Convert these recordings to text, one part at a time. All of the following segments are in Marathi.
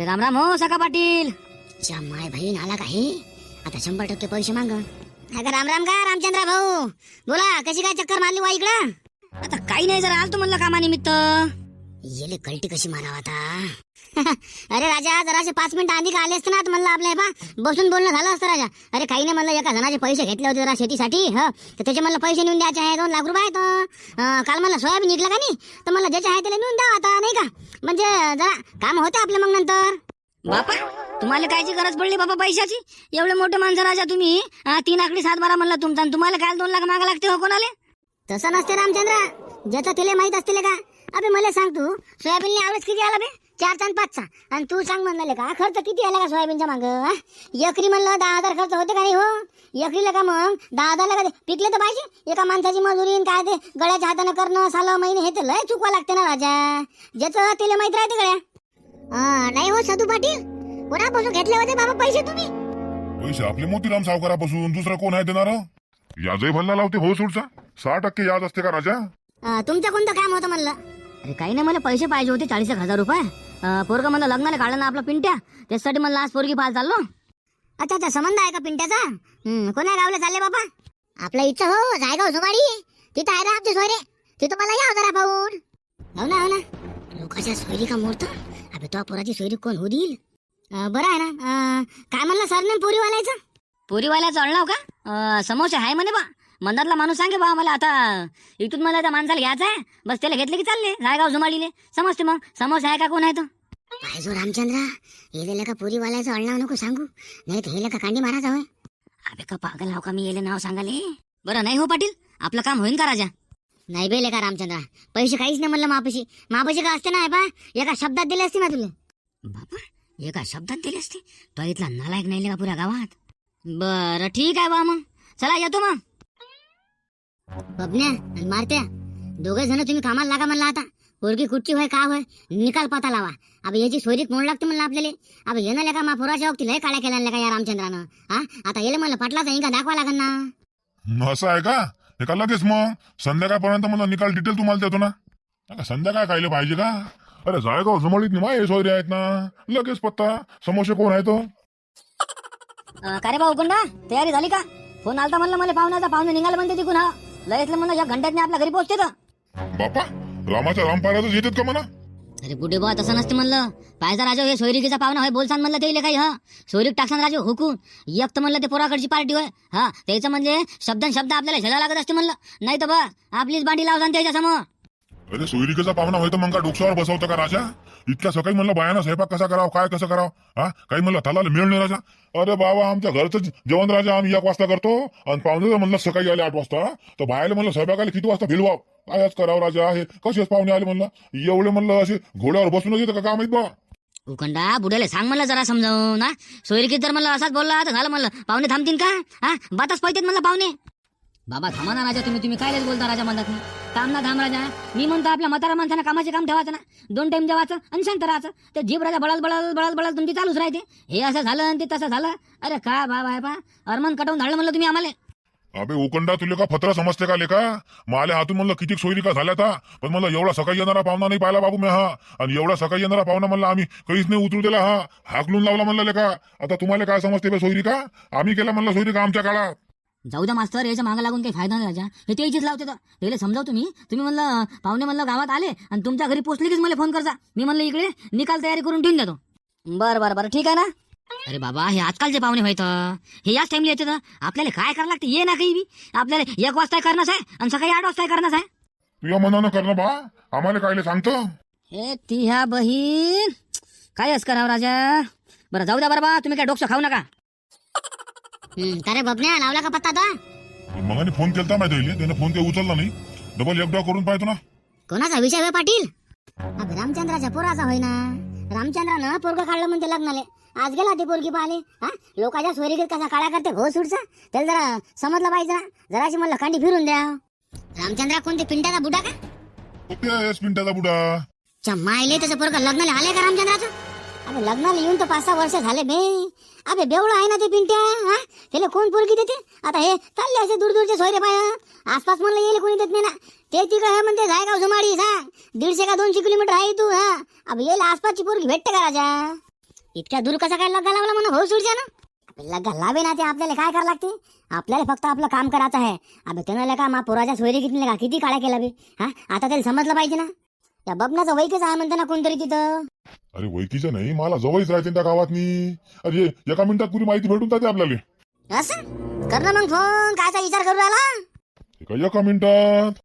राम राम हो सका पाटील. माय बहीण आला काही आता 100% पैसे माग. अगं राम राम का रामचंद्र भाऊ, बोला कशी काय चक्कर मारली वा इकडं? आता काही नाही, जरा आलतो म्हणलं कामानिमित्त. येले कल्टी कशी मारावं आता? अरे राजा जराशे 5 मिनिटं आधी का आले असते ना, म्हणलं आपल्या बा बसून बोलणं झालं असतं राजा. अरे काही नाही म्हणलं, एका जणाचे पैसे घेतले होते जरा शेतीसाठी, तर त्याचे मला पैसे नेऊन द्यायचे आहे 2 लाख रुपये आहेत. काल मला सोयाबीन निघलं का नाही, तर मला ज्याचे आहे त्याला नेऊन द्यावं आता, नाही का? म्हणजे जरा काम होते आपलं मग नंतर. बापा तुम्हाला कायची गरज पडली बाबा पैशाची? एवढे मोठे माणसं राजा तुम्ही. 3 आकडी 7 बारा म्हणलं तुमचा, तुम्हाला काय 2 लाख मागा लागते हो कोणाले? तसं नसते रामचंद्र, ज्याचं तिला माहित असते का. अबे मला सांग, तू सोयाबीनने आवडच किती आला बे? 4 आणि 5चा. आणि तू सांग म्हणले का खर्च किती आला का सोयाबीनच्या माग? एकरी म्हणलं 10,000 खर्च होते का नाही हो? एकरीला का मग 10,000 का पिकले तर पाहिजे. एका माणसाची मजुरी काय ते गळ्याच्या हाताने करणं 6 महिने, हे तर लय चुकवा लागते ना राजा. ज्याचं तिला माहित राहते गळ्या. नाही हो सदू पाटील, कोणापासून घेतले होते बाबा पैसे तुम्ही? पैसे आपले मोतीराम सावकारापासून, दुसरा कोण आहे देणार? याजही भल्ला लावते हो सोडचा. 6% याज असते का राजा? तुमचं कोणतं काम होतं म्हणलं? अरे काही नाही, मला पैसे पाहिजे होते 40,000 रुपये. पोरग मला लग्नाला काढलं ना आपला पिंट्या, त्यासाठी मला आज पोरगी पाहायला चाललो. अच्छा अच्छा, संबंध आहे का पिंट्याचा? कोण्या गावला चालले बाबा? आपल्या इच्छा हो जायगाव जुमाडी, तिथं आहे ना आमचे सोयरे, तिथं मला या जरा पाहून. हो ना हो ना, लोकांच्या सोयरी का मोडतो. अबे तो पोराची सोयरी कोण हो देईल? बरं आहे ना. काय म्हणलं सर नेम पोरीवाल्याचं? पोरीवाल्याचं अळणाव का? समोसे आहे म्हणे बा. मंदातला माणूस सांगे बा मला, आता इथून मला त्या माणसाला घ्यायचं आहे, बस त्याला घेतले की चालले रायगाव जुमाडीले. समजते मग समोसे आहे का कोण आहे तो? पाहिजो रामचंद्र, हे का पोरीवाल्याचं अळणाव नको सांगू, नाही तर हे का कांडी मारायचा होय. अबे का पागल हाव का मी येले नाव सांगाले? बरं नाही हो पाटील, आपलं काम होईन का राजा? नाही बेले का रामचंद्र, पैसे काहीच नाही म्हणलं मापाशी का असते ना बा, एका शब्दात दिले असते ना तुला. बापा एका शब्दात दिले असते? तो इथला नालायक नाही का पुऱ्या गावात? बरं ठीक आहे बा, मग चला येतो मग. बबन्या आणि मारत्या दोघे जण तुम्ही कामाला लागा म्हणला. आता पोरगी कुठची होय का होय निकाल पता लावा. अब याची सोयरीत मोड लागते म्हणलं आपल्याला. अब येणं लेका मा पोराच्या वक्ती लय काळ्या केल्या का या रामचंद्रानं. आता येले मला पटलाचा इंका दाखवा लागन ना. असं आहे का? हे का लगेच मग संध्याकाळपर्यंत मला निकाल डिटेल तुम्हाला देतो ना. संध्याकाळ खायला पाहिजे का? अरे जायगाव जुमाडीत नाही हे सोयरे आहेत ना, लगेच पत्ता. समोसे कोण आहे तो? का रे भाऊ कोंडा, तयारी झाली का? फोन आलता म्हणलं मला पाहुणे निघाले म्हणते तिकून. लयतलं म्हणलं या घंट्यात आपल्या घरी पोहोचते तर. बापा रामाच्या रामपारातच येतात का म्हणा? अरे कुठे बा तसं नसते म्हणलं. पायचा राजा हे सोयरिकीचा पाहुणा होय, बोलसान म्हणलं ते काही. सोयरीक टाकसान राजा हुकून एक तर म्हणलं ते पोराकडची पार्टी होय. त्याचं म्हणजे शब्द आपल्याला झेला लागत असते म्हणलं, नाही तर बा आपलीच बांडी लावसान त्याच्या समोर. अरे सोयरिकेचा पाहुणा होय तर मग का डोक्यावर बसवतं का राजा? इतक्या सकाळी म्हणलं बायानं स्वयंपाक कसा करावं, काय कसं करावं, काही म्हणलं थालाला मिळून नाही राजा. अरे बाबा आमच्या घरचं जेवण राजा आम्ही 1 वाजता करतो, आणि पाहुणे म्हणलं सकाळी आले 8 वाजता, तर बायाला म्हणलं स्वयंपाकाला किती वाजता भिलवाव, कायच करावं राजा. हे कसेच पाहुणे आले म्हणलं, एवढे म्हणलं असे घोड्यावर बसूनच येतं का काम आहेत बा? उखंडा बुड्याला सांग म्हणलं जरा समजावून ना. सोयरिकीत जर म्हणलं असाच बोलला तर झालं म्हणलं, पाहुणे थांबतील का? बाताच पाहिजेत म्हणलं पाहुणे. बाबा थांबा ना राजा, तुम्ही कायच बोलता राजा म्हणतात ना. काम ना थांब राजा, मी म्हणतो आपल्या म्हातारा माणसानं कामाचे काम ठेवायचं ना, 2 टाइम जेवायचं आणि शांत राहायचं. ते जीभ राजा बळाल तुमची चालूच राहते. हे असं झालं आणि ते तसं झालं. अरे का बाबा आहे पा अरमान कटवून धाडलं म्हणलं तुम्ही आम्हाला. अबे उकंडा तुला का फत्रा समजते का लेका? माले हातून म्हणलं किती सोयरी का झाल्या था, पण म्हणलं एवढा सकाळी येणारा पाहुणा नाही पाहिला बाबू मी. आणि एवढा सकाळी येणारा पाहुणा म्हणलं आम्ही काहीच नाही उतरू दिला. हाकलून लावला म्हणलं लेका. आता तुम्हाला काय समजते बे सोयरी का? आम्ही केला म्हणलं सोयरी का आमच्या काळात. जाऊ द्या मास्तर, याच्या मागे लागून काही फायदा नाही राजा. हे ते इथेच लावते तर त्याला समजाव तुम्ही म्हणलं पाहुणे म्हणलं गावात आले आणि तुमच्या घरी पोचले कीच मला फोन करता. मी म्हणलं इकडे निकाल तयारी करून ठेवून देतो. बरं ठीक आहे ना. अरे बाबा हे आजकालचे पाहुणे व्हायचं, हे याच टाइमला येते तर आपल्याला काय करावं लागते? ये ना काही बी आपल्याला 1 वाजता करणंच आहे आणि सकाळी 8 वाजता करणंच आहे. तुझ्या मनानं करणं बा, आम्हाला कायले सांगतो? हे ती ह्या बहीण कायच करावं राजा. बरं जाऊ द्या बरं बा, तुम्ही काय डोकं खाऊ नका. अरे बबन्या लावला का पत्ता तो? मगाने फोन केलता माहिती, त्याने फोन काही उचलला नाही. डबल एकदा करून पाहतो ना. कोणाचा विषय होय पाटील? अब रामचंद्राच्या पोराचा होय ना. रामचंद्रानं पोरग काढलं म्हणते लग्नाले, आज गेला ते पोरगी पाहिले. लोकांच्या सोयरीकीत कसा काळा करते घो सुटचा, त्याला जरा समजलं पाहिजे ना. जराशी म्हणलं कांडी फिरून द्या. रामचंद्रा कोणते पिंटाचा बुडा का? मिनिटाचा बुडा मायले त्याचं पोरग लग्नाला आले का रामचंद्राचं? अबे लग्नाला येऊन तर 5-6 वर्ष झाले बे. अबे बेवळा आहे ना ते पिंट्या. त्याला कोण पोरगी देते? आता हे चालले असे दूरचे सोयरे पाय आसपास म्हणलं येईल कोणी देत नाही ना. ते तिकडे म्हणते जायगाव जुमाडी 150 का 200 किलोमीटर आहे तू. अब येईल आसपासची पोरगी भेटते का राजा? इतक्या दूर कसा काय लग्गा लावला म्हणून भाऊ सुरच्या ना लग्गा लावे ना ते आपल्याला काय करावं लागते आपल्याला फक्त आपलं काम करायचं आहे अबे त्यानं का मा पोराच्या सोयरी किती का किती काळ्या केला बे हा आता त्याला समजलं पाहिजे ना त्या बबनाचं वैकच आहे म्हणते ना कोणतरी तिथं अरे वैकीचं नाही मला जवळच राहते त्या गावातनी अरे एका मिनिटात पुरी माहिती भेटून जाते आपल्याला असं कर ना मग फोन कायचा विचार करू राहिला एका मिनिटात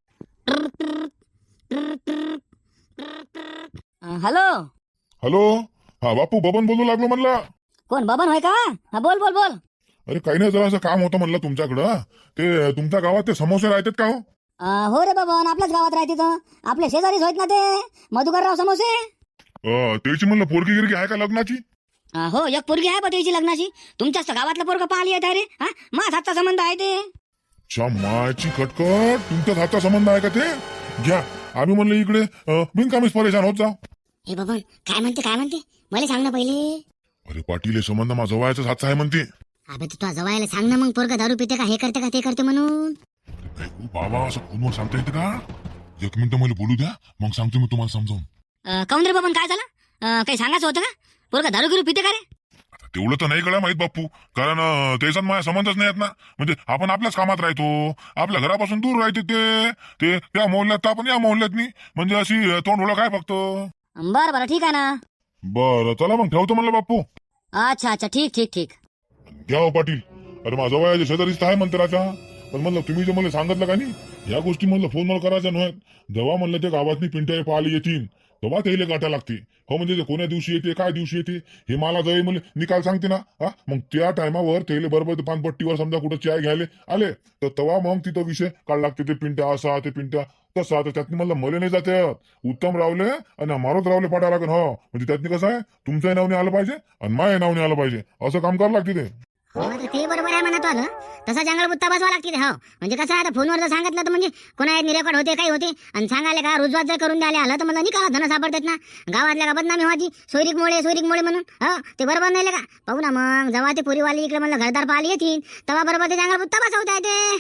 हॅलो हॅलो हा बापू बबन बोलू लागलो म्हणला कोण बबन होय का हा बोल बोल बोल अरे काही नाही जरा असं काम होतं म्हणलं तुमच्याकडं ते तुमच्या गावात ते समोसे राहतात का हो हो रे बबन आपल्याच गावात राहते तर आपले शेजारीच होत ना ते मधुकरराव समोसे त्याची म्हणलं पोरगी गिरगी आहे का लग्नाची हो एक पोरगी आहे त्याची लग्नाची तुमच्याच तर गावातलं पोरग पाहिली आहे रे हा माझ हातचा संबंध आहे ते मायाची कटकट तुमच्याच हातचा संबंध आहे का ते घ्या आम्ही म्हणलं इकडे बिनकामीच परेशान होत जाऊ हे बाबा काय म्हणते मला सांग ना पहिले अरे पाटील हे संबंध माझा जवळचाच हातचा आहे म्हणते अबे तू जवायला सांग ना मग पोरगा दारू पिते का हे करते का ते करते म्हणून काय करू बाबा असं फोनवर सांगता येते का एक मिनिट मला बोलू द्या मग सांगतो मी तुम्हाला समजावून काऊन रे बबन काय झालं काही सांगायचं होतं का पोरगा दारू गिरू पिते का रे आता तेवढं तर नाही कळलं माहित बाप्पू कारण त्याच्यात माझ्या संबंधच नाही आहेत ना म्हणजे आपण आपल्याच कामात राहतो आपल्या घरापासून दूर राहते ते त्या मोहल्ल्यात तर आपण या मोहल्ल्यात नाही म्हणजे अशी तोंड ओळख आहे फक्त बरं बरं ठीक आहे ना बरं चला मग ठेवतो म्हणलं बाप्पू अच्छा अच्छा ठीक ठीक ठीक घ्या हो पाटील अरे माझा वयाच्या शेजारीच आहे मंदिराच्या पण म्हणलं तुम्ही जे मला सांगितलं का नाही या गोष्टी म्हणलं फोनवर करायच्या नव्हत जेव्हा म्हणलं ते गावातनी पिंट्या पाहायला येतील तेव्हा त्याला गाठा लागते हो म्हणजे ते कोण्या दिवशी येते काय दिवशी येते हे मला जवळ मला निकाल सांगते ना हा मग त्या टायमावर त्याला बरोबर पानपट्टीवर समजा कुठं चाय घ्यायला आले तर तेव्हा मग तिथं विषय काढ लागते ते पिंट्या असा ते पिंट्या तसा तर त्यातनी म्हणलं मले नाही जाते उत्तम रावले आणि मारोत रावले पाठा लागेल हो म्हणजे त्यातनी कसं आहे तुमच्याही नावने आलं पाहिजे आणि माझ्या नावने आलं पाहिजे असं काम करावं लागते ते ते बरोबर आहे म्हणत आलं तसा जंगल बुत्ता बसवा लागते हो म्हणजे कसं आता फोनवर जर सांगितलं तर म्हणजे कोणा रेकॉर्ड होते काही होते आणि सांगायला का रुजवात जर करून द्यायला आलं तर मला निकाला धन सापडतात ना गावातल्या का बदनामी व्हायची सोयरीकमुळे म्हणून हो ते बरोबर नाही का पाहू ना मग जेव्हा ते पुरीवाली इकडे म्हणलं घरदार पाहिली येतील तेव्हा बरोबर ते जंगल बुत्ता बसवता येते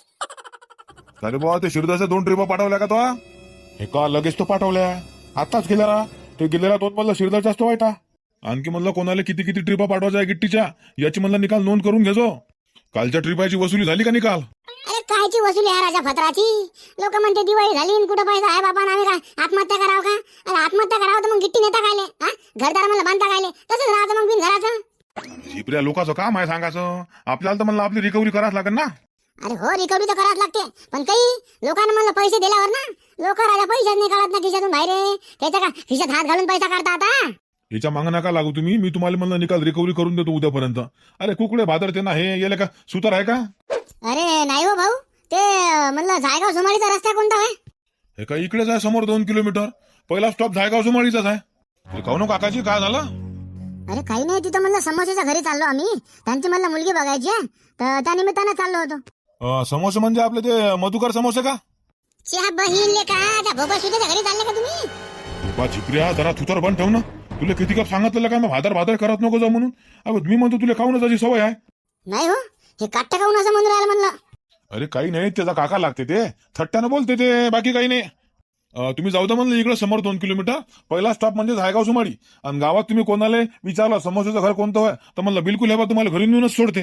अरे बाबा ते शिरदाच्या 2 ट्रिपा पाठवल्या का तो हे का लगेच तो पाठवल्या आताच गेला ते गेलेला 2 म्हणलं शिरदाचाच तो वाईटा आणखी म्हणलं कोणाला किती किती ट्रिपा पाठवायच्या गिट्टीच्या याची म्हणलं निकाल नोंद करून घेजो कालच्या ट्रिपाची वसुली झाली का निकाल अरे कायची वसुली आहे राजा फत्राची लोक म्हणते दिवाळी झाली आणि कुठं पैसा आहे बाबा आम्ही काय आत्महत्या करावं का अरे आत्महत्या करावं तर मग गिट्टी नेता खायले हा घरदार मला बांधता खायले तसंच राहायचं मग बिन घराचं झिपऱ्या लोकांचं काम आहे सांगायचं आपल्याला तर म्हणलं आपली रिकव्हरी करावं लागेल ना अरे हो रिकव्हरी तर करावंच लागते पण काही लोकांना म्हणलं पैसे दिल्यावर ना लोक राजा पैशाच नाही काढत ना खिशातून बाहेर त्याच्या का खिशात हात घालून पैसा काढता आता याच्या मागं नका लागू तुम्ही मी तुम्हाला म्हणलं निकाल रिकव्हरी करून देतो उद्यापर्यंत अरे कुकडे भादरते ना हे येले का सुतार आहे का अरे नाही हो भाऊ ते म्हणलं जायगाव सुमारीचा रस्ता कोणता आहे हे का इकडेच आहे समोर 2 किलोमीटर पहिला स्टॉप जायगाव सुमाळीचाच आहे काहून काकाजी काय झालं अरे काही नाही तिथं म्हणलं समोसेच्या घरी चाललो आम्ही त्यांची म्हणलं मुलगी बघायची आहे तर त्या निमित्तानं चाललो होतो समोसे म्हणजे आपले ते मधुकर समोसे का च्या बहीण ले का त्या भोपा सुद्धा घरी चालले का तुम्ही बा झिपऱ्या जरा थुतर बंद ठेव ना तुला किती कप सांगितलं काय मग भादर करत नको जाऊ म्हणून अबे मी म्हणतो तुला खाऊनच अशी सवय आहे नाही हो हे काट्टा काऊन असं म्हणून राहिलं म्हणलं अरे काही नाही त्याचा काका लागते ते थट्ट्यानं बोलते ते बाकी काही नाही तुम्ही जाऊ द्या म्हणलं इकडे समोर 2 किलोमीटर पहिला स्टॉप म्हणजे झायगाव सुमाडी आणि गावात तुम्ही कोणाला विचारलं समोसेचं घर कोणतं आहे तर म्हणलं बिलकुल हे बा तुम्हाला घरी नेऊनच सोडते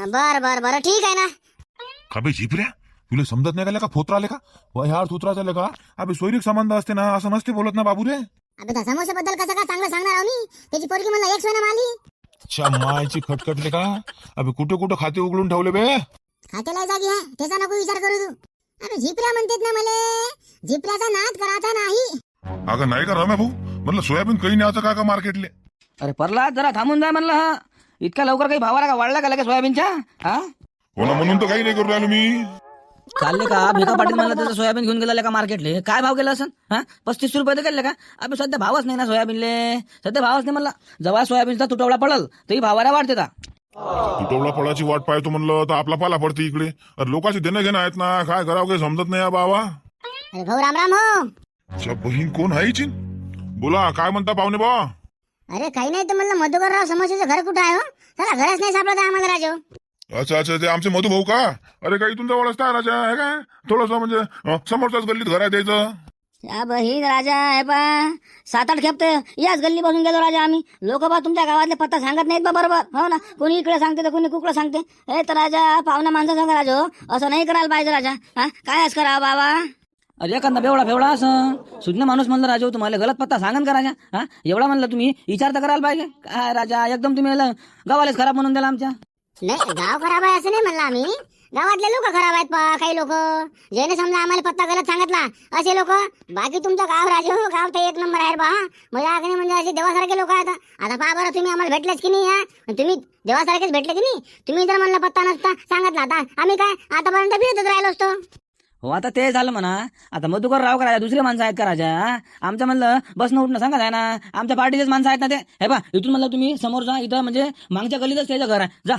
बर ठीक आहे ना खाबे झिपऱ्या तुला समजत नाही का फोत्र आले का ह्या थोत्राच आले का अबे सोयरीक संबंध असते ना असं नसते बोलत ना बाबू रे अबे त्या समोसेबद्दल कसं काय चांगलं सांगणार आहो मी त्याची पोरगी मला एक सोनं माली अच्छा मायची खटखटले का अबे कुठे खाते उघडून ठेवले बे खात्याला जागी आहे त्याचा नको विचार करू तू अरे झिपऱ्या म्हणतात ना मला झिपऱ्याचा नाद करायचा नाही अगं नाही का रम्या भाऊ म्हणलं सोयाबीन काही न्यायचं का मार्केटले अरे परला जरा थांबून जा म्हणलं हा इतका लवकर काही भावाला का वाढला का लगेच सोयाबीनच्या हा हो ना म्हणून तर काही नाही करू राहिलो मी चालले का भिका पाटील म्हणलं त्याचं सोयाबीन घेऊन गेला का मार्केटले काय भाव गेला असं हा 35 रुपये तर गेले का अबे सध्या भावच नाही ना सोयाबीनले सध्या भावच नाही म्हणला जेव्हा सोयाबीनचा तुटवडा पडल तरी भावाला वाढते का तुटवडा फळाची वाट पाहतो म्हणलं तर आपला पाला पडते इकडे अरे लोकांची देणं घेणं आहेत ना काय करावं काही समजत नाही बाबा अरे भाऊ राम हो अच्छा बहीण कोण आहे हिची बोला काय म्हणता पाहुणे बा अरे काही नाही तर म्हणलं मधुकरराव समोसेचं घर कुठं आहे हो त्याला घरच नाही सापडत आहे आम्हाला राजू अच्छा ते आमचे मधू भाऊ का अरे काही तुमचा वळच काय राजा आहे काय थोडस म्हणजे समोरच्याच गल्लीत घर आहे त्याचं या बहीण राजा हे पा 7-8 खेप तर याच गल्ली बसून गेलो राजा आम्ही. लोक बा तुमच्या गावातले पत्ता सांगत नाहीत बा बरोबर, हो ना. कोणी इकडे सांगते तर कोणी कुकडे सांगते. हे तर राजा पाहुणा माणसा सांगा राजा हो. असं नाही करायला पाहिजे राजा. काय असं करा बाबा. अरे एखादा बेवडा असं सुज्ञ माणूस म्हणलं राजा तुम्हाला गलत पत्ता सांगन का राजा? एवढा म्हणलं तुम्ही विचार तर करायला पाहिजे. काय राजा एकदम तुम्ही गावालाच खराब म्हणून दिला आमच्या. नाही गाव खराब आहे असं नाही म्हणलं आम्ही. गावातले लोक खराब आहेत पा काही लोक ज्याने समजा आम्हाला पत्ता गलत सांगितला असे लोक. बाकी तुमचं गाव राजे हो गाव तर 1 नंबर आहे बा. म्हणजे आगणे म्हणजे असे देवासारखे लोक आहेत. आता पहा बरं तुम्ही आम्हाला भेटलेच की नाही. तुम्ही देवासारखेच भेटले की नाही. तुम्ही जर म्हणलं पत्ता नसता सांगितला आता आम्ही काय आतापर्यंत फिरतच राहिलो असतो. हो आता ते झालं म्हणा. आता मधुकर राव का राजा दुसरे माणसं आहेत का राजा? आमच्या म्हणलं बसणं उठणं सांगत आहे ना. आमच्या पार्टीचेच माणसं आहेत ना ते. हे बा इथून म्हणलं तुम्ही समोर जा. इथं म्हणजे मागच्या गल्लीतच त्याचं घर आहे. जा.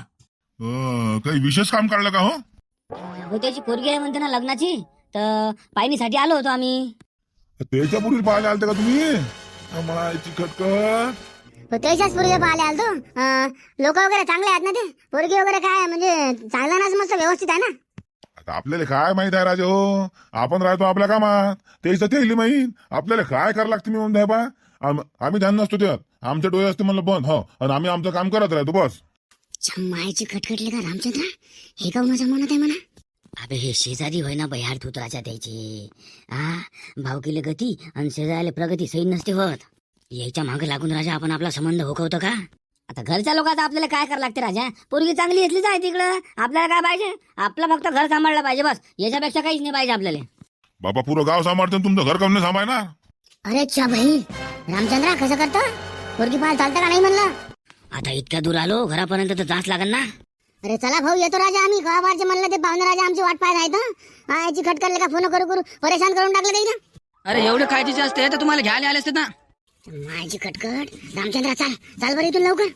काही विशेष काम काढलं का हो? हो त्याची पोरगी आहे म्हणते ना लग्नाची, तर पाहिणीसाठी आलो होतो आम्ही. त्याच्या पूर्वी पाहायला आलते का तुम्ही? मायची खटखट. त्याच्याच पोरगे पाहिले आलतो. लोक वगैरे चांगले आहेत ना ते. पोरगी वगैरे काय म्हणजे चांगला ना मस्त व्यवस्थित आहे ना. आता आपल्याला काय माहित आहे राजा हो. आपण राहतो आपल्या कामात. त्याचं ते माहीत आपल्याला काय करावं लागतं. मी म्हणतो बा आम्ही ध्यान नसतो त्यात. आमच्या डोळे असते म्हणलं बंद. हो आणि आम्ही आमचं काम करत राहतो बस. मायची खटखटले का रामचंद्र? हे का माझ्या मनात आहे म्हणा. अबे हे शेजारी होय ना बयाड तू राजा त्याची. भावकीले गती आणि शेजारीला प्रगती सही नसते होत. याच्या मागे लागून राजा आपण आपला संबंध होकवतो का? आता घरच्या लोकांचा आपल्याला काय करावं लागते राजा? पोरगी चांगली घेतलीच आहे तिकडं. आपल्याला काय पाहिजे? आपलं फक्त घर सांभाळलं पाहिजे बस. याच्यापेक्षा काहीच नाही पाहिजे आपल्याला. बाबा पुरं गाव सांभाळतो तुमचं घर कम नाही सांभाळ ना. अरे चा भाई रामचंद्र कसं करतो? पोरगी पाहायला चालतं का नाही म्हणलं. आता इतक्या दूर आलो घरापर्यंत तर जाच लागल ना. अरे चला भाऊ येतो राजा आम्ही. गावाबारचे म्हणलं ते पाहुणे राजा आमची वाट पाहत आहेत. याची खटखटले का फोन करू परेशान करून टाकलं काही ना. अरे एवढे काळजीचे असते तर तुम्हाला घ्यायला आले असते ना. मायची खटखट. रामचंद्र चाल बरं इथून लवकर.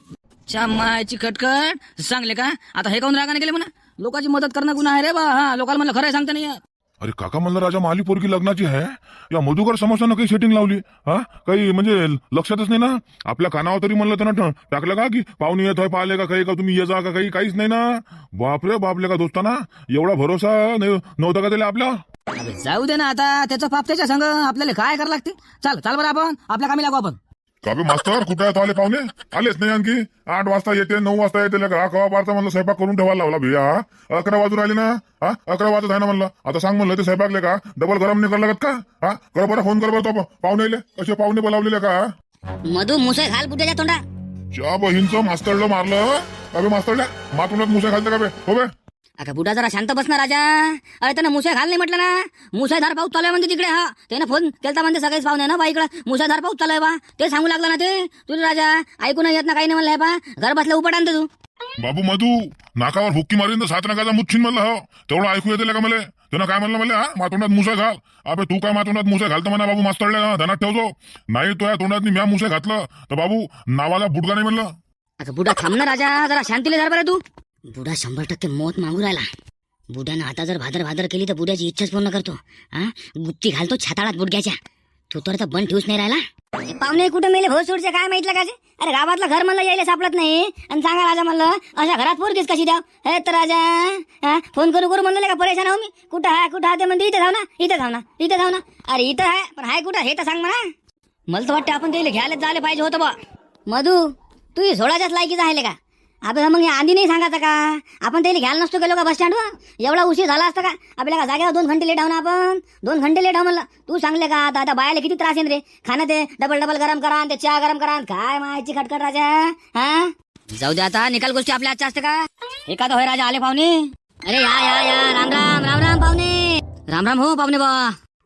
मायची खटखट सांगले का? आता हे काऊन रागाने गेले म्हणा. लोकांची मदत करणं गुन्हा आहे रे बा. लोकांना म्हणलं खरं सांगता नाही. अरे काका म्हणलं राजा माली पोरगी लग्नाची आहे. या मधुकर समोसानं काही सेटिंग लावली. काही म्हणजे लक्षातच नाही ना. आपल्या कानावर तरी म्हणलं त्यांना टाकलं का की पाहुणे येत आहे पाहिले का काही का तुम्ही ये जा का काही काहीच नाही ना. बापरे बापले का दोस्ताना एवढा भरोसा नव्हता का त्याला आपल्या. जाऊ दे ना आता. त्याचा पाप त्याच्या संग. आपल्याला काय करावं लागते. चाल बरं आपण आपल्या कामी लागू आपण. का बे मास्तर कुठे आहेत आले पाहुणे? आलेच नाही आणखी. 8 वाजता येते 9 वाजता येते का? कवा बारचा म्हणलं स्वयंपाक करून ठेवायला लावला भैया. 11 वाजून राहिले ना. 11 वाजत आहे ना म्हणलं. आता सांग म्हणलं ते स्वयंपाकले का डबल गरम नाही करायला लागत का? कर बरं फोन कर बरं तो पाहुणे कसे पाहुणे बोलावलेले का? मधू मुसे घाल बुट्याच्या तोंडा. च्या बहीणचं मास्तरला मारलं का बे? मास्तरला मातुनात मुसे घालते का बे? हो बे. अगं बुडा जरा शांत बस ना राजा. अरे त्यानं मुसाय घाल नाही म्हटलं ना. मुसायधार पाऊस चालू आहे म्हणते तिकडे. त्यानं फोन केलता म्हणते सगळेच पाहुणे ना बा इकडं मुसायधार पाऊस चालू आहे बा. ते सांगू लागला ना ते. तुला राजा ऐकून येत ना काही नाही म्हणलंय बा. घर बसल्या उपट आणते तू. बाबू मधू नाकावर हुक्की मारीन तर 7 नकाचा मुच्छिन म्हणलं. हो तेवढं ऐकू येते का मला? त्यानं काय म्हणलं मला? मातोंडात मुसा घाल. अबे तू काय मातोंडात मुसा घालतो म्हणा बाबू मास्तरला ध्यानात ठेवतो. नाही तो या तोंडात म्या मुसा घातलं तर बाबू नावाला बुडका नाही म्हणलं. अगं बुडा थांब ना राजा जरा शांतीले जरा बरं तू. बुडा 100% मौत मागू राहिला. बुड्यानं आता जर भादर केली तर बुड्याची इच्छाच पूर्ण करतो. गुत्ती घालतो छाताळात बुडग्याच्या. तू तर बंद ठेवूच नाही राहिला. पाहुणे कुठं मेले भो सोडचे काय माहितलं का? अरे गावातलं घर म्हणलं यायला सापडत नाही आणि सांगा राजा म्हणलं अशा घरात पोरगीच कशी द्याव? हे तर राजा फोन करू म्हणलं का परेशान हो मी. कुठं आहे ते म्हणते इथे जाऊ ना. अरे इथं आहे पण हाय कुठं हे तर सांग म्हणा. मला तर वाटतं आपण त्याला घ्यायला जायला पाहिजे होतं बा. मधू तू सोडाच्याच लायकीचा आहे का? आपल्याला मग आधी नाही सांगायचं का? आपण त्याला घ्यायला नसतो गेलो का बस स्टँडवर? एवढा उशीर झाला असता का? आपल्याला जागेवर 2 घंटे लेट आहो ना आपण. 2 घंटे लेट आहो म्हणलं. तू सांगले का? आता बायाला किती त्रास येईल रे. खाणं ते डबल गरम करा ते चहा गरम करा. काय माहिती खटखट राजा. जाऊ दे आता. निकाल गोष्टी आपल्या आजच्या असते का? एखादा होय राजा आले पाहुणे. अरे या राम पाहुणे. राम हो पाहुणे बा.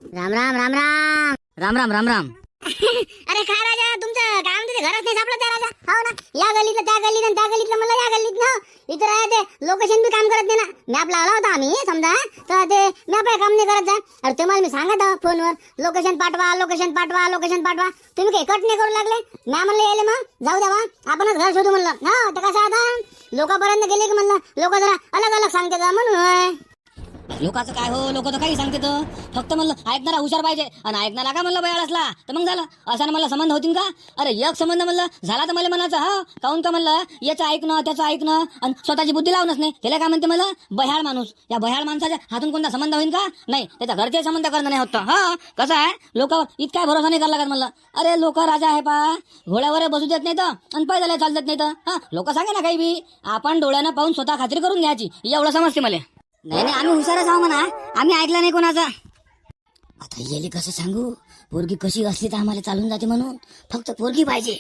राम. अरे काय राजा तुमचं काय म्हणते घरात नाही सापडत त्या राजा. हो ना या गल्लीतलं त्या गल्लीत त्या गल्लीतलं मला या गल्लीत ना. इथं राहते लोकेशन बी काम करत नाही ना. मॅप लावला होता आम्ही समजा तर ते मॅप काम नाही करत आहे. अरे तुम्हाला मी सांगत फोनवर लोकेशन पाठवा. तुम्ही काही कट नाही करू लागले. मॅ म्हणलं यायले मग जाऊ द्या बा आपणच घर शोधू म्हणलं. तर कसं आता लोकांपर्यंत गेले की म्हणलं लोक जरा अलग सांगते का म्हणून. लोकांचं काय हो, लोक तर काही सांगते तर फक्त म्हणलं ऐकणारा हुशार पाहिजे आणि ऐकणारा का म्हणलं बयाळ असला तर मग झालं. अशानं मला संबंध होतील का? अरे एक संबंध म्हणलं झाला तर मला म्हणायचं हा काहून का म्हणलं याचं ऐकणं त्याचं ऐकणं आणि स्वतःची बुद्धी लावणच नाही. त्याला काय म्हणते मला बह्याळ माणूस. या बह्याळ माणसाच्या हातून कोणता संबंध होईल का? नाही, त्याच्या घरचे संबंध करणं नाही होत. हा कसं आहे, लोकांवर इतका भरोसा नाही करायला लागत म्हणलं. अरे लोक राजा आहे पा, घोड्यावर बसू देत नाही तर आणि पैदल चालत नाही तर हा लोक सांगे ना काही बी, आपण डोळ्यानं पाहून स्वतः खात्री करून घ्यायची एवढं समजते मला. नाही नाही, आम्ही हुशारच आहो म्हणा, आम्ही ऐकलं नाही कोणाचा. आता येली कसं सांगू, पोरगी कशी असली तर आम्हाला चालून जाते म्हणून फक्त पोरगी पाहिजे.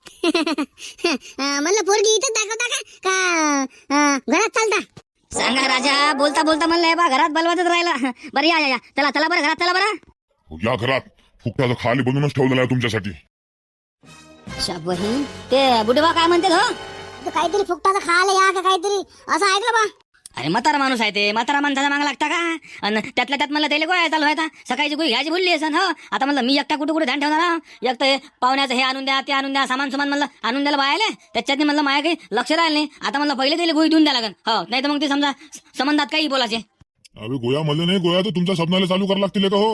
म्हणलं पोरगी इथंच दाखवता का घरात चालता? सांगा राजा, बोलता बोलता म्हणलं बा घरात बलवातच राहिला. बरं या या या, चला चला बरं घरात चला बरं. या घरात फुकटाचं खाली बनवूनच ठेवलेलं आहे तुमच्यासाठी. बहीण ते बुडवा काय म्हणते हो? तर काहीतरी फुकटाचं खायला या का काहीतरी असं ऐकलं बा. अरे म्हातारा माणूस आहे ते, म्हातारा माणसाचा मागा लागता का? आणि त्यातल्या त्यात मला त्याला गोळ्या चालू आहे. सकाळची गोळी घ्यायची भुलली असन हो. आता म्हणलं मी एकटा कुठे कुठे ध्यान ठेवणार हा? एक तर पाहुण्याचं हे आणून द्या ते आणून द्या, सामान सुमान म्हणलं आणून द्यायला बायले, त्याच्यात म्हणलं माझ्या काही लक्ष राहिलं नाही. आता म्हणलं पहिले त्याला गोळी देऊन द्या लागेल हो, नाही तर मग ते समजा संबंधात काही बोलायचे. अरे गोया म्हणलं नाही, गोया तर तुमच्या स्वप्नाला चालू करायला लागतील का हो?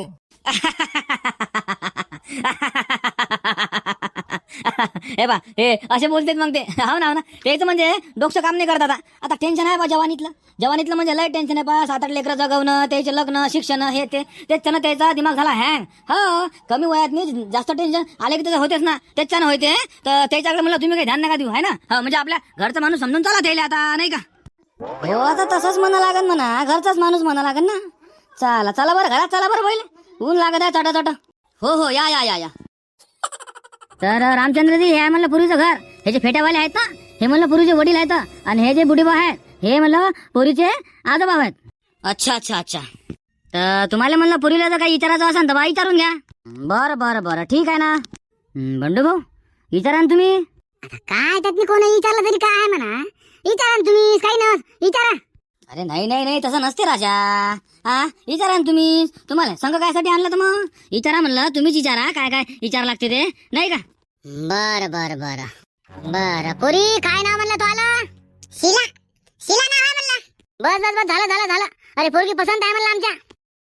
हे बा हे असे बोलतेत मग ते. हो ना तेच म्हणजे डोकं काम नाही करत. आता टेन्शन आहे बा जवानीतलं म्हणजे लय टेन्शन आहे बा. 7-8 लेकरं जगवणं, त्याचे लग्न शिक्षण हे त्याच्यानं त्याचा दिमाग झाला हँग. हो कमी वयात नाही जास्त टेन्शन आले की त्याचं होतेच ना, त्याच्यानं होते. तर त्याच्याकडे म्हणलं तुम्ही काही ध्यान नका देऊ आहे ना. हो म्हणजे आपल्या घरचा माणूस समजून चला त्याला आता, नाही का? हो आता तसंच म्हणा लागेल म्हणा, घरचाच माणूस म्हणा लागेल ना. चला चला बरं घरात चला बरं पहिले, ऊन लागत आहे चटा. हो हो या या या या. तर रामचंद्रजी हे आहे म्हणलं पुरीचं घर. हे जे फेट्यावाले आहेत ना हे म्हणलं पुरीचे वडील आहेत, आणि हे जे बुडीबा आहेत हे म्हणलं पुरीचे आजोबा आहेत. अच्छा अच्छा अच्छा. तर तुम्हाला म्हणलं पुरीला जर काही विचारायचं असेल तर बा विचारून घ्या. बरं बरं बरं ठीक आहे ना. बंडू भाऊ विचारा ना तुम्ही. आता काय त्यात कोणी विचारलं तरी काय आहे म्हणा, विचारा ना तुम्ही, काही ना विचारा. अरे नाही नाही नाही तसं नसते राजा. हा विचारा ना तुम्ही, तुम्हाला संघ कायसाठी आणलं तर मग विचारा म्हणलं, तुम्हीच विचारा काय काय विचार लागते ते, नाही का? बर बर बर बर. पोरी काय नाव म्हणलं तो आला? शिला. शिला नाव आहे म्हणलं. बस बस बस झालं झालं. अरे पोरगी पसंत आहे म्हणलं आमच्या.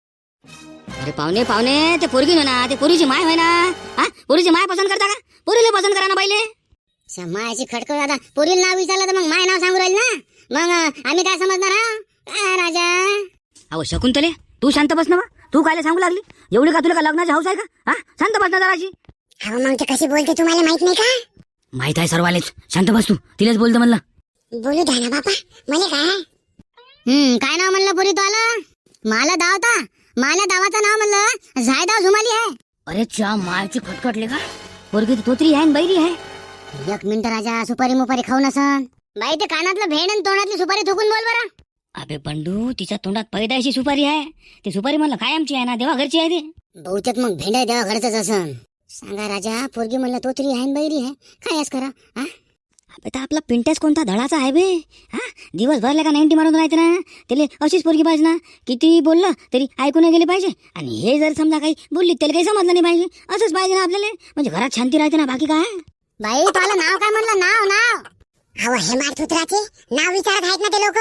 अरे पाहुणे पाहुणे ते पोरगी होय ना, ते पोरीची माय होय ना. हा पोरीची माय पसंत करता का? पोरीला पसंत करा ना पहिले. मायाची खटकळ. आता पोरीला नाव विचारलं तर मग माय नाव सांगू राहील ना, मग आम्ही काय समजणार हा? काय राजा? अहो शकुंतले तू शांत बस ना बा. तू कायला सांगू लागली एवढी का? तुला का लग्नाची हौस आहे का? हा शांत बस ना जराशी. अहो मग ते कशी बोलते तुम्हाला माहित नाही का? माहित आहे सर्वालेच, शांत बस तू. तिलाच बोलतो म्हणलं. बोलू द्या ना बापा, मला काय काय नाव म्हणलं पोरी तो आलं? मला दावाचं नाव म्हणलं झायदाव झुमाली आहे. अरे च्या मायची खटखटले का? पोरगी तोतरी आहे बैरी आहे. एक मिनिट राजा, सुपारी मुपारी खाऊ नसन बाई. ते कानातलं भेण आणि तोंडातली सुपारी थुकून बोल बरं. अबे बंडू तिच्या तोंडात पैदायची सुपारी आहे. ती सुपारी म्हणलं कायमची आहे ना, देवा घरची आहे ती. बहुतेक मग भेंड देवा घरच असन. सांगा राजा, पोरगी म्हणलं तो तरी आहे बैरी आहे, काय करा हा? आता आपला पिंटेस कोणता धडाचा आहे बे. हा दिवसभर का 90 मारून राहते ना, त्याला अशीच पोरगी पाहिजे ना. किती बोललं तरी ऐकून गेले पाहिजे. आणि हे जर समजा काही बोलली त्याला काही समजलं नाही पाहिजे. असंच पाहिजे ना आपल्याला, म्हणजे घरात शांती राहते ना, बाकी काय. बाई तुला नाव काय म्हणलं? नाव अहो हे मारतुत्राचे नाव विचारत आहेत ना ते लोक.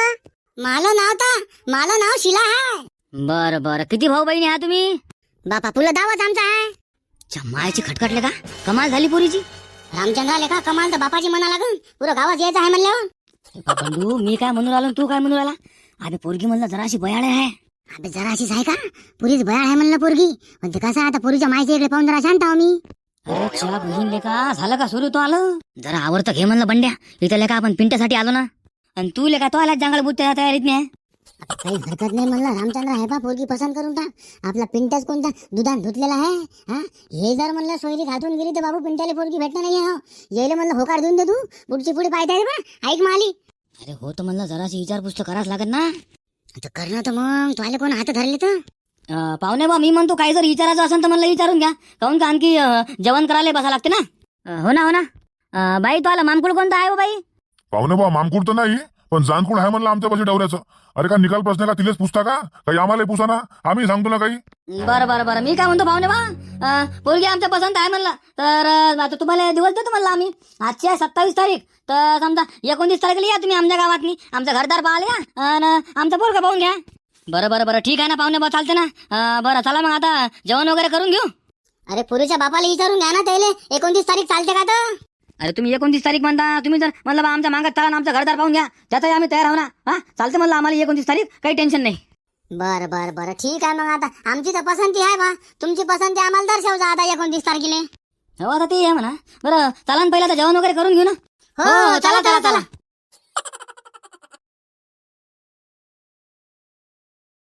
मला नाव शिला आहे. बरं बरं. किती भाऊ बहिणी आहात तुम्ही? बापा पुला दावच आमचा आहे. मायाची खटखटले का? कमाल झाली पोरीची. रामचंद्र लेखा कमाल तर बापाची म्हणा लागून पुरं गावात यायचं आहे म्हणलं. बंडू मी काय म्हणून राहिलो तू काय म्हणून राहिला? अबे पोरगी म्हणलं जराशी बयाळ आहे. अबे जराशीच आहे का? पुरीच बयाळ आहे म्हणलं पोरगी. पण ते कसं आता पोरीच्या मायच्या इकडे पाहून जरा शांत आहो मी. अरे च्या बहीण लेका झालं का सुरू? तो आलं जरा आवडतं घे म्हणलं बंड्या. इथं लेका आपण पिंट्यासाठी आलो ना, आणि तू लेका तो आला जंगल बुत्या तयारीत नाही. आता काही हरकत नाही म्हणलं. रामचंद्र आहे बा, पोरगी पसंत करून टाक. आपला पिंट्याच कोणता दुधान धुतलेला आहे हा? हे जर म्हणलं सोयरीत हातून गेली तर बाबू पिंट्याला पोरगी भेटणार नाही हो. येईल म्हणलं होकार देऊन दे तू. पुढची पुढे पाहता बा. ऐक माली. अरे हो तर म्हणलं जराशी विचारपूस तर करावंच लागत ना. आता करणं तर मग तुला कोण हात धरले तर पाहुणे बा मी म्हणतो काही जर विचारायचं असेल तर म्हणलं विचारून घ्या. काहून का आणखी जेवण करायला बसा लागते ना. हो ना बाई तो आला मामकुळ कोणता आहे बाई? पाहुणे बा मामकुळ तर नाही, पण जानकुळ आहे म्हणलं आमच्या पाशी डवऱ्याचं. अरे का निकाल प्रश्न का तिलेच पुसता का? काही आम्हाला पुसा ना, आम्ही सांगतो ना काही. बरं मी काय म्हणतो पाहुणे बा, पोरगी आमच्या पसंत आहे म्हणलं तर आता तुम्हाला दिवस देतो म्हणलं आम्ही. आजची आहे 27 तारीख, तर समजा 29 तारखेला या तुम्ही आमच्या गावातनी. आमचं घरदार पाहायला या आणि आमचा पोरगा पाहून घ्या. बरं बरं बरं ठीक आहे ना पाहुणे बा चालते ना बरं चला मग आता जेवण वगैरे करून घेऊ. अरे पुरीच्या बापाला विचारून घ्या ना त्याले 29 तारीख चालते का तर. अरे तुम्ही 29 तारीख म्हणता, तुम्ही जर म्हणलं बा आमच्या मागात चला ना आमचं घरदार पाहून घ्या त्यातही आम्ही तयार आहो ना. हा चालते म्हणलं आम्हाला 29 तारीख, काही टेन्शन नाही. बर बर बर ठीक आहे मग आता आमची तर पसंती आहे बा, तुमची पसंती आम्हाला दर्शव जा आता 29 तारखेला. हो आता ते आहे म्हणा. बरं चला ना पहिलं आता जेवण वगैरे करून घेऊ ना. हो चला चला चला.